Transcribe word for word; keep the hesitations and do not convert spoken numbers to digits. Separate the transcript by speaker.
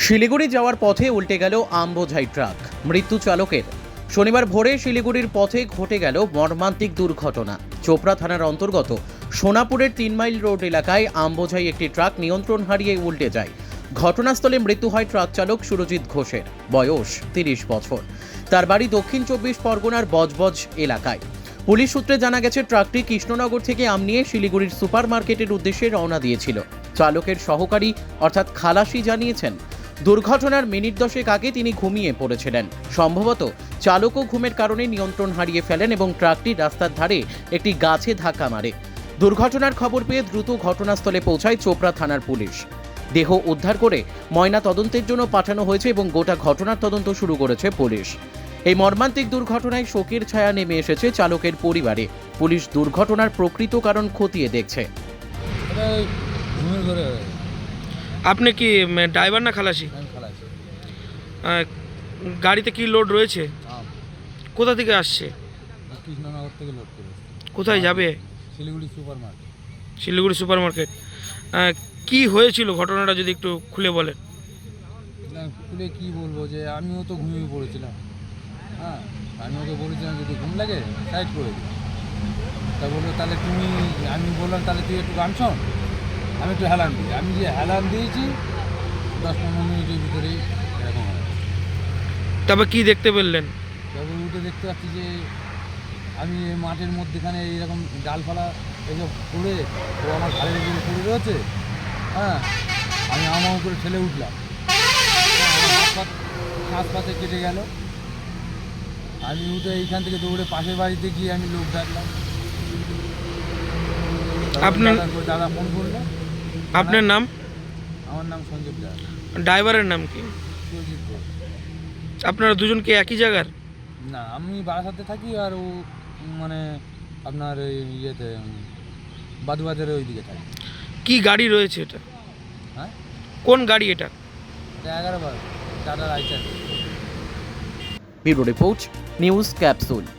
Speaker 1: শিলিগুড়ি যাওয়ার পথে উল্টে গেল আমবোঝাই ট্রাক, মৃত্যু চালকের। শনিবার ভোরে শিলিগুড়ির পথে ঘটে গেল মর্মান্তিক দুর্ঘটনা। চোপড়া থানার অন্তর্গত সোনাপুরের তিন মাইল রোড এলাকায় আমবোঝাই একটি ট্রাক নিয়ন্ত্রণ হারিয়ে উল্টে যায়। ঘটনাস্থলে মৃত্যু হয় ট্রাক চালক সুরজিৎ ঘোষের, বয়স তিরিশ বছর। তার বাড়ি দক্ষিণ চব্বিশ পরগনার বজবজ এলাকায়। পুলিশ সূত্রে জানা গেছে, ট্রাকটি কৃষ্ণনগর থেকে আম নিয়ে শিলিগুড়ির সুপার মার্কেটের উদ্দেশ্যে রওনা দিয়েছিল। চালকের সহকারী অর্থাৎ খালাসি জানিয়েছেন, দুর্ঘটনার মিনিট দশেক আগে তিনি ঘুমিয়ে পড়েছিলেন। সম্ভবত চালকও ঘুমের কারণে নিয়ন্ত্রণ হারিয়ে ফেলেন এবং ট্রাকটি রাস্তার ধারে একটি গাছে ধাক্কা মারে। দুর্ঘটনার খবর পেয়ে দ্রুত ঘটনাস্থলে পৌঁছায় চোপড়া থানার পুলিশ। দেহ উদ্ধার করে ময়না তদন্তের জন্য পাঠানো হয়েছে এবং গোটা ঘটনার তদন্ত শুরু করেছে পুলিশ। এই মর্মান্তিক দুর্ঘটনায় শোকের ছায়া নেমে এসেছে চালকের পরিবারে। পুলিশ দুর্ঘটনার প্রকৃত কারণ খতিয়ে দেখছে।
Speaker 2: আপনি কি ড্রাইভার না খালাসি? আহ, গাড়িতে কি লোড রয়েছে? কোথা থেকে আসছে?
Speaker 3: কৃষ্ণনগর থেকে লোড করে
Speaker 2: কোথায় যাবে?
Speaker 3: Siliguri super market.
Speaker 2: Siliguri super market. কি হয়েছিল ঘটনাটা যদি একটু খুলে বলেন।
Speaker 3: খুলে কী বলবো, যে আমিও তো ঘুমিয়ে পড়েছিলাম। হ্যাঁ, আমি ওকে বলেছিলাম যদি ঘুম লাগে সাইড করে দিই। তা বললো তাহলে তুমি, আমি বললাম তাহলে তুই একটু গান শোন, আমি একটু হেলান দিই। আমি যে হেলান দিয়েছি দশ পনেরো মিনিটের ভিতরেই এরকম হয়।
Speaker 2: তারপর কি দেখতে পেলেন?
Speaker 3: তারপর উঠে দেখতে পাচ্ছি যে আমি মাঠের মধ্যেখানে এইরকম ডালপালা এসব পড়ে ও আমার ঘাড়ের উপরে পড়ে রয়েছে। হ্যাঁ, আমি আমার উপরে ঠেলে উঠলাম, শ্বাস পাতে কেটে গেল। আমি উঠে এইখান থেকে দৌড়ে পাশের বাড়িতে গিয়ে আমি লোক ডাকলাম।
Speaker 2: আপনার
Speaker 3: দাদা ফোন করলো।
Speaker 2: আপনার নাম?
Speaker 3: আমার নাম সঞ্জীব দাস।
Speaker 2: ড্রাইভারের নাম কি?
Speaker 3: সুরজিৎ ঘোষ।
Speaker 2: আপনারা দুজন কি একই জায়গার?
Speaker 3: না, আমি বারাসাতে থাকি আর ও মানে আপনার ওই ইয়েতে বাদুবাজারের ওই দিকে থাকে।
Speaker 2: কি গাড়ি রয়েছে এটা?
Speaker 3: হ্যাঁ,
Speaker 2: কোন গাড়ি এটা?
Speaker 3: এটা এগারো বার টাটা রাইচার।
Speaker 1: Bureau report, news capsule.